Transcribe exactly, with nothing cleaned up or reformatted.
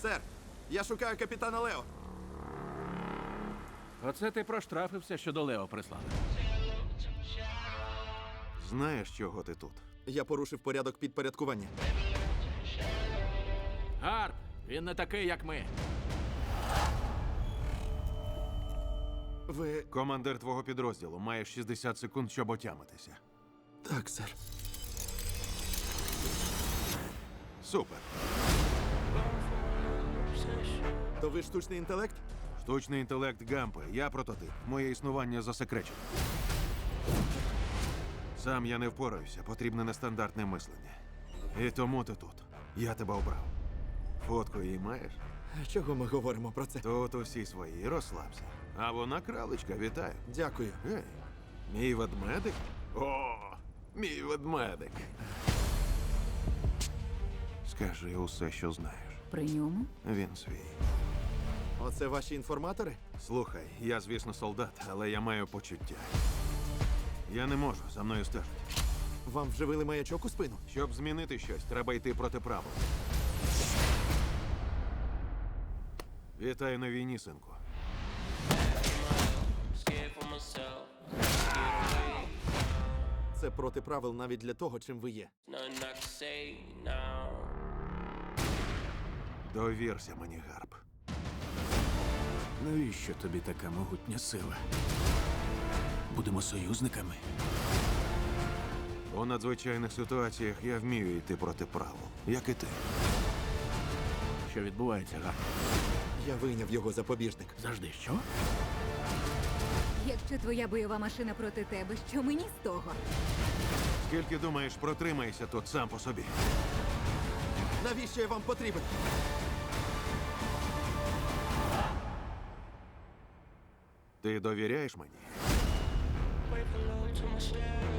Сер, я шукаю капітана Лео. Оце ти проштрафився, що до Лео прислали. Знаєш, чого ти тут? Я порушив порядок підпорядкування. Гарп, він не такий, як ми. Ви... Командир твого підрозділу має шістдесят секунд, щоб отямитися. Так, сер. Супер. То ви штучний інтелект? Штучний інтелект Гампи. Я прототип. Моє існування засекречено. Сам я не впораюся. Потрібне нестандартне мислення. І тому ти тут. Я тебе обрав. Фотку її маєш? Чого ми говоримо про це? Тут усі свої. Розслабся. А вона кралечка. Вітаю. Дякую. Гей, мій ведмедик? О, мій ведмедик. Скажи усе, що знаєш. При ньому? Він свій. Оце ваші інформатори? Слухай, я, звісно, солдат, але я маю почуття. Я не можу, за мною стежать. Вам вживили маячок у спину? Щоб змінити щось, треба йти проти правил. Вітаю на війні, синку. Scared for myself, get away. Це проти правил навіть для того, чим ви є. Nothing I can say now. Довірся мені, Гарп. Навіщо тобі така могутня сила? Будемо союзниками? У надзвичайних ситуаціях я вмію йти проти правил, як і ти. Що відбувається, Гарп? Я вийняв його запобіжник. Завжди що? Якщо твоя бойова машина проти тебе, що мені з того? Скільки думаєш, протримаєшся тут сам по собі? Навіщо я вам потрібен? Ти довіряєш мені? Wait for love to my share.